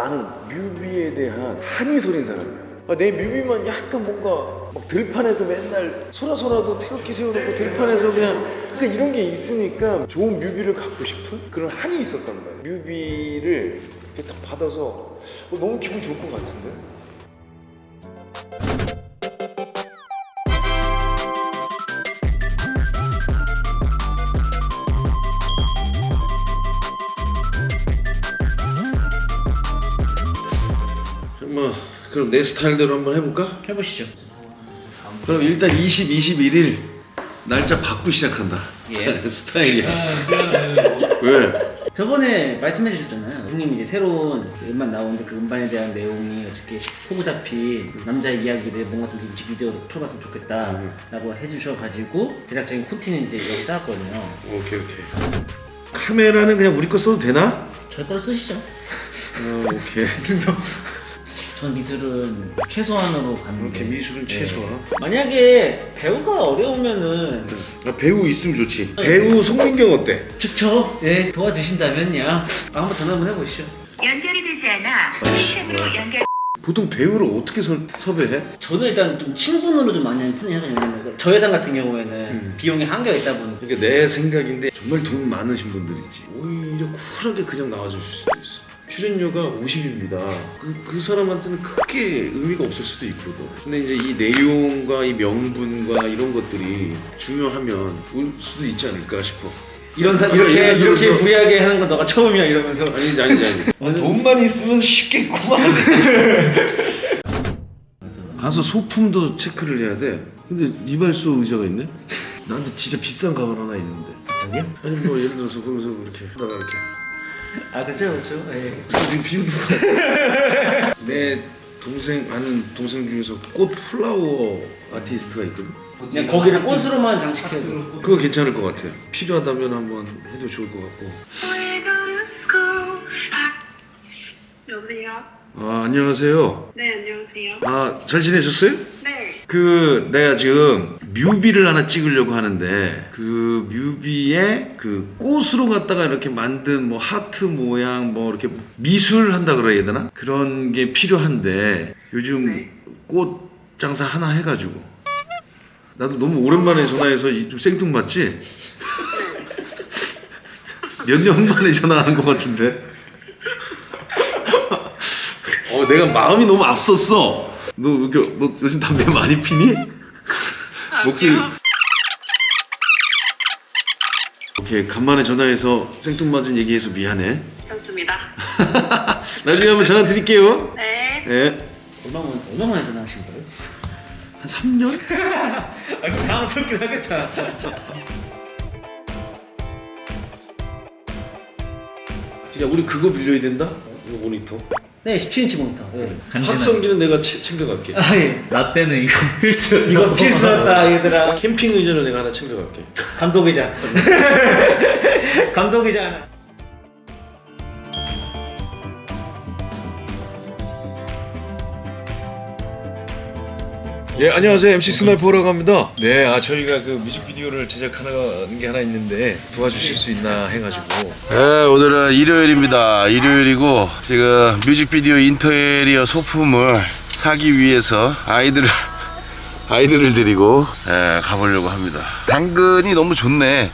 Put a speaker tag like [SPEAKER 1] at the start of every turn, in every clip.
[SPEAKER 1] 나는 뮤비에 대한 한이 소린 사람이야. 내 뮤비만 약간 뭔가 막 들판에서 맨날 소라소라도 태극기 세워놓고 들판에서 그냥 이런 게 있으니까 좋은 뮤비를 갖고 싶은 그런 한이 있었단 말이야. 뮤비를 이렇게 딱 받아서 너무 기분 좋을 것 같은데? 그럼 내 스타일대로 한번 해볼까?
[SPEAKER 2] 해보시죠.
[SPEAKER 1] 그럼 일단 21일 날짜 받고 시작한다.
[SPEAKER 2] 예.
[SPEAKER 1] 스타일이야. 왜?
[SPEAKER 2] 저번에 말씀해 주셨잖아요. 형님 이제 새로운 음반 나오는데 그 음반에 대한 내용이 어떻게 포부 잡힌 남자의 이야기를 뭔가 좀 뮤직비디오로 풀어봤으면 좋겠다라고 해주셔가지고 제작적인 콘티는 이제 여기 짜왔거든요.
[SPEAKER 1] 오케이. 카메라는 그냥 우리 거 써도 되나?
[SPEAKER 2] 저희 걸 쓰시죠.
[SPEAKER 1] 오케이.
[SPEAKER 2] 전 미술은 최소한으로 갔는데.
[SPEAKER 1] 이렇게 미술은 최소한.
[SPEAKER 2] 만약에 배우가 어려우면은
[SPEAKER 1] 배우 있으면 좋지. 배우 송민경 어때?
[SPEAKER 2] 좋죠. 네, 도와주신다면요. 한번 전화 한번 해보시죠.
[SPEAKER 3] 연결이 되지 않아 시스템으로 연결.
[SPEAKER 1] 보통 배우를 어떻게 섭외해?
[SPEAKER 2] 저는 일단 좀 친분으로 좀 많이 하는 편이에요. 왜냐면 저예산 같은 경우에는 비용이 한계가 있다 보니까.
[SPEAKER 1] 그러니까 내 생각인데 정말 돈 많으신 분들 있지. 오히려 쿨하게 그냥 나와주실 수도 있어. 출연료가 50입니다. 그 사람한테는 크게 의미가 없을 수도 있거든. 근데 이제 이 내용과 이 명분과 이런 것들이 중요하면 올 수도 있지 않을까 싶어.
[SPEAKER 2] 이렇게 무리하게 하는 건 너가 처음이야 이러면서.
[SPEAKER 1] 아니지. 돈만 있으면 쉽겠구만. 가서 소품도 체크를 해야 돼. 근데 이발소 의자가 있네? 나한테 진짜 비싼 가발 하나 있는데.
[SPEAKER 2] 여기요?
[SPEAKER 1] 아니 뭐 예를 들어서 거기서 이렇게 하다가 이렇게.
[SPEAKER 2] 아 그렇죠. 예.
[SPEAKER 1] 지금 비우는 거. 내 아는 동생 중에서 꽃 플라워 아티스트가 있거든.
[SPEAKER 2] 그냥 거기를 꽃으로만 장식해서.
[SPEAKER 1] 그거 괜찮을 것 같아요. 필요하다면 한번 해도 좋을 것 같고.
[SPEAKER 3] 여보세요?
[SPEAKER 1] 안녕하세요.
[SPEAKER 3] 네, 안녕하세요.
[SPEAKER 1] 잘 지내셨어요?
[SPEAKER 3] 네.
[SPEAKER 1] 내가 지금 뮤비를 하나 찍으려고 하는데 그 뮤비에 그 꽃으로 갖다가 이렇게 만든 뭐 하트 모양 뭐 이렇게 미술 한다 그래야 되나? 그런 게 필요한데 요즘
[SPEAKER 3] 네.
[SPEAKER 1] 꽃 장사 하나 해가지고 나도 너무 오랜만에 전화해서 좀 생뚱맞지? 몇 년 만에 전화하는 것 같은데? 내가 마음이 너무 앞섰어. 너 요즘 담배 많이 피니? 목소리. 오케이, 간만에 전화해서 생뚱맞은 얘기해서 미안해.
[SPEAKER 3] 좋습니다.
[SPEAKER 1] 나중에 한번 전화 드릴게요.
[SPEAKER 3] 네.
[SPEAKER 1] 네.
[SPEAKER 2] 얼마 만에 전화하신 거예요?
[SPEAKER 1] 한 3년?
[SPEAKER 2] 당황스럽긴 하겠다.
[SPEAKER 1] 야, 우리 그거 빌려야 된다? 이거 모니터.
[SPEAKER 2] 네, 17인치 모니터. 네.
[SPEAKER 1] 확성기는 내가 챙겨갈게.
[SPEAKER 2] 아 예.
[SPEAKER 4] 라떼는 이거 필수였다.
[SPEAKER 2] 이거 필수였다 얘들아.
[SPEAKER 1] 캠핑 의자를 내가 하나 챙겨갈게.
[SPEAKER 2] 감독이자. 감독이자 하나.
[SPEAKER 1] 예, 안녕하세요. MC 스나이퍼라고 합니다. 네, 저희가 그 뮤직비디오를 제작하는 게 하나 있는데 도와주실 수 있나 해가지고. 네, 오늘은 일요일입니다. 일요일이고 지금 뮤직비디오 인테리어 소품을 사기 위해서 아이들을 데리고 가보려고 합니다. 당근이 너무 좋네.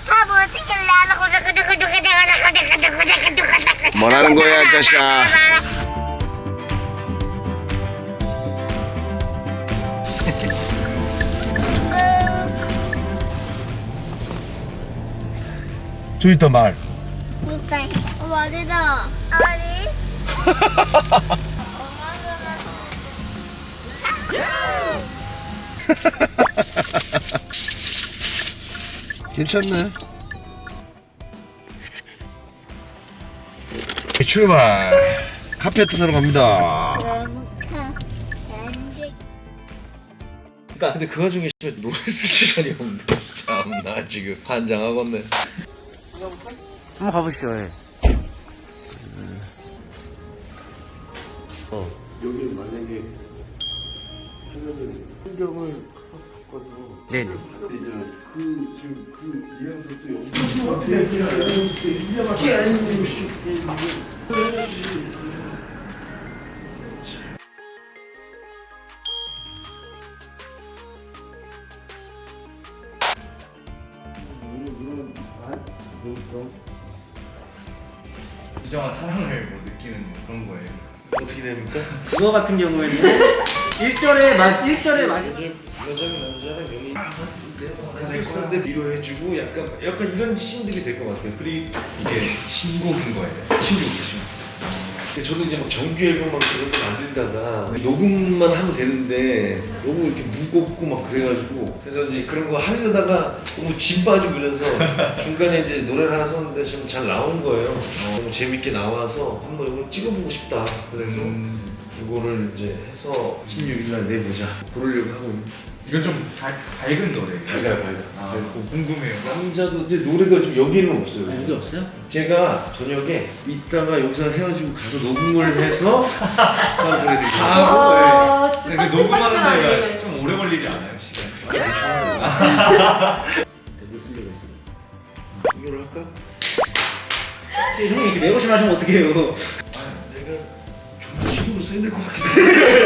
[SPEAKER 1] 뭐라는 거야, 자식아? 저기 있다 말.
[SPEAKER 5] 어디다? 어디?
[SPEAKER 1] 괜찮네. 출발. 카페트 사러 갑니다. 근데 그 와중에 노래 쓸 시간이 없네. 참나 지금 환장하겠네.
[SPEAKER 2] 한번 가보시죠. 예.
[SPEAKER 1] 여기 만약에 하면은 풍경을 바꿔서
[SPEAKER 2] 네네.
[SPEAKER 1] 지금 이어서 또 여기
[SPEAKER 5] 진정한 사랑을 뭐 느끼는 그런 거예요.
[SPEAKER 1] 어떻게 됩니까?
[SPEAKER 2] 그거 같은 경우에는 1절에 맞이게
[SPEAKER 1] 남자는 여기 가족사인데 위로해주고 약간 이런 씬들이 될 것 같아요. 그리고
[SPEAKER 5] 이게 신곡인 거예요.
[SPEAKER 1] 신곡이죠. 저도 이제 막 정규 앨범 막 그런 거 만들다가 녹음만 하면 되는데 너무 이렇게 무겁고 막 그래가지고 그래서 이제 그런 거 하려다가 너무 진 빠지고 그래서 중간에 이제 노래를 하나 썼는데 지금 잘 나온 거예요. 너무 재밌게 나와서 한번 이거 찍어보고 싶다. 그래서 이거를 이제 해서 16일 날 내보자. 그러려고 하고 있는.
[SPEAKER 5] 이건 좀 밝은 노래예요.
[SPEAKER 1] 밝아요.
[SPEAKER 5] 아, 궁금해요.
[SPEAKER 1] 남자도 이제 노래가 좀 여기는 없어요.
[SPEAKER 2] 여기 없어요?
[SPEAKER 1] 제가 저녁에 이따가 여기서 헤어지고 가서 녹음을 해서 하는 노래들이
[SPEAKER 5] 아,
[SPEAKER 6] 진짜
[SPEAKER 5] 근데 녹음하는
[SPEAKER 6] 따끈따끈하네.
[SPEAKER 5] 데가 좀 오래 걸리지 않아요, 시간?
[SPEAKER 2] 못 쓰려고 했어요.
[SPEAKER 1] 이걸 할까?
[SPEAKER 2] 혹시 형님 이렇게 내고심 하시면 어떡해요?
[SPEAKER 1] 내가 좀 힘으로 써야 될 것 같긴 해.